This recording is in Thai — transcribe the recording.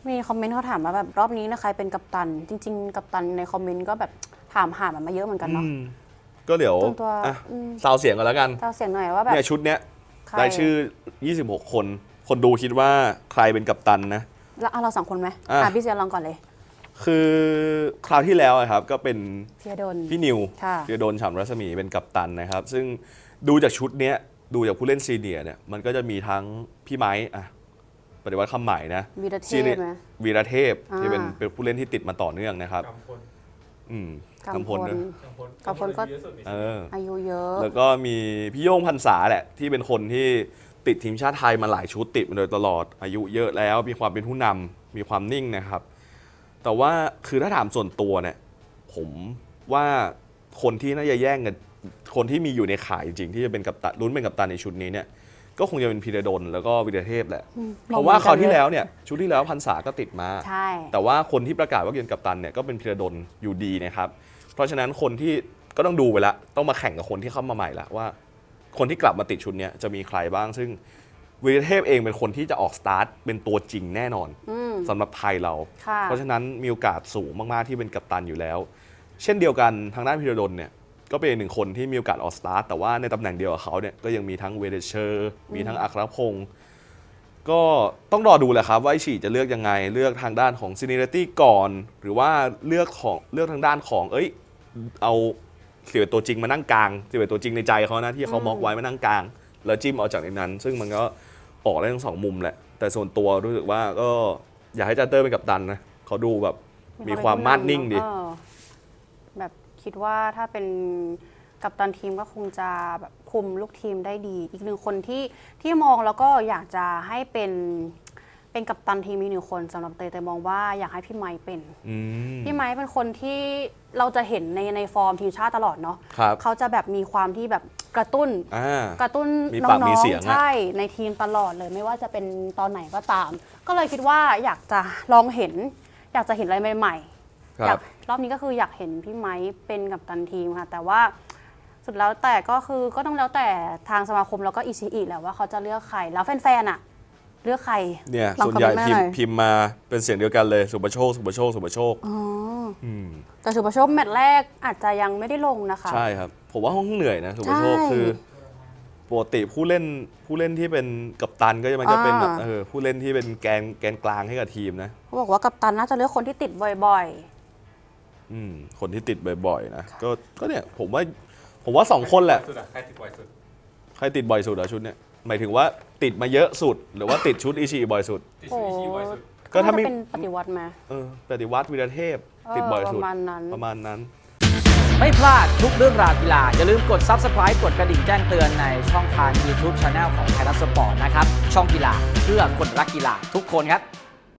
มีคอมเมนต์เขาถามว่าแบบรอบนี้นะใครเป็นกัปตันจริงๆกัปตันในคอมเมนต์ก็แบบถามหามันมาเยอะเหมือนกันเนาะก็เดี๋ยวซาวเสียงกันแล้วกันซาวเสียงหน่อยว่าแบบเนี่ยชุดเนี้ยได้ชื่อ26คนคนดูคิดว่าใครเป็นกัปตันนะแล้วเรา2 คนไหมพี่เซียลองก่อนเลยคือคราวที่แล้วครับก็เป็นพี่นิวธีรดลฉ่ำรัศมีเป็นกัปตันนะครับซึ่งดูจากชุดเนี้ยดูจากผู้เล่นซีเนียร์เนี่ยมันก็จะมีทั้งพี่ไม้ปฏิวัติคำใหม่นะวีรเทพไหมวีรเทพที่เป็นผู้เล่นที่ติดมาต่อเนื่องนะครับกำพลนะกำพลก็อายุเยอะแล้วก็มีพี่โย่งพรรษาแหละที่เป็นคนที่ติดทีมชาติไทยมาหลายชุดติดมาโดยตลอดอายุเยอะแล้วมีความเป็นผู้นำมีความนิ่งนะครับแต่ว่าคือถ้าถามส่วนตัวเนี่ยผมว่าคนที่น่าจะแย่งกันคนที่มีอยู่ในข่ายจริงที่จะเป็นกัปตันลุ้นเป็นกัปตันในชุดนี้เนี่ยก็คงจะเป็นพีระดลแล้วก็วิรเทพแหละเพราะว่าคราวที่แล้วเนี่ยชุดที่แล้วพรรษาก็ติดมาแต่ว่าคนที่ประกาศว่าเป็นกัปตันเนี่ยก็เป็นพีระดลอยู่ดีนะครับเพราะฉะนั้นคนที่ก็ต้องดูไปละต้องมาแข่งกับคนที่เข้ามาใหม่ละว่าคนที่กลับมาติดชุดนี้จะมีใครบ้างซึ่งวิรเทพเองเป็นคนที่จะออกสตาร์ทเป็นตัวจริงแน่นอนสำหรับไทยเราเพราะฉะนั้นมีโอกาสสูงมากๆที่เป็นกัปตันอยู่แล้วเช่นเดียวกันทางด้านพีระดลเนี่ยก็เป็นหนึ่งคนที่มีโอกาสออกสตาร์ทแต่ว่าในตำแหน่งเดียวกับเขาเนี่ยก็ยังมีทั้งเวเดเชอร์มีทั้งอัครพงศ์ก็ต้องรอดูแหละครับว่าไอฉีจะเลือกยังไงเลือกทางด้านของซีเนียริตี้ก่อนหรือว่าเลือกทางด้านของเอา11ตัวจริงมานั่งกลาง11ตัวจริงในใจเขานะที่เขาม็อกไว้มานั่งกลางแล้วจิ้มเอาจากในนั้นซึ่งมันก็ออกได้ทั้ง2 มุมแหละแต่ส่วนตัวรู้สึกว่าก็อยากให้จัตเตอร์เป็นกัปตันนะเขาดูแบบมีความมั่นนิ่งดีแบบคิดว่าถ้าเป็นกัปตันทีมก็คงจะแบบคุมลูกทีมได้ดีอีกหนึ่งคนที่มองแล้วก็อยากจะให้เป็นกัปตันทีมมี1 คนสำหรับเตยมองว่าอยากให้พี่ไม้เป็นพี่ไม้เป็นคนที่เราจะเห็นในฟอร์มทีมชาติตลอดเนาะเขาจะแบบมีความที่แบบกระตุ้นน้องๆใช่ในทีมตลอดเลยไม่ว่าจะเป็นตอนไหนก็ตามก็เลยคิดว่าอยากจะลองอยากจะเห็นอะไรใหม่ๆอยากรอบนี้ก็คืออยากเห็นพี่ไม้เป็นกัปตันทีมค่ะแต่ว่าสุดแล้วแต่ก็คือก็ต้องแล้วแต่ทางสมาคมแล้วก็อีซีอีแหละว่าเขาจะเลือกใครแล้วแฟนๆอะเลือกใครเนี่ยส่วนใหญ่พิมพ์มาเป็นเสียงเดียวกันเลยสุภโชคแต่สุภโชคแมตช์แรกอาจจะยังไม่ได้ลงนะคะใช่ครับผมว่าห้องเหนื่อยนะสุภโชคคือปกติผู้เล่นที่เป็นกัปตันก็จะมันจะเป็นแบบผู้เล่นที่เป็นแกนกลางให้กับทีมนะเขาบอกว่ากัปตันน่าจะเลือกคนที่ติดบ่อยๆคนที่ติดบ่อยๆนะก็เนี่ยผมว่า2 คนแหละใครติดบ่อยสุดอะชุดเนี่ยหมายถึงว่าติดมาเยอะสุดหรือว่าติดชุดอิชิบ่อยสุดก็ถ้าเป็นปฏิวัติมาปฏิวัติวีรเทพติดบ่อยสุดประมาณนั้นไม่พลาดทุกเรื่องราวกีฬาอย่าลืมกด Subscribe กดกระดิ่งแจ้งเตือนในช่องทาง YouTube Channel ของไทยรัฐสปอร์ตนะครับช่องกีฬาเพื่อคนรักกีฬาทุกคนครับ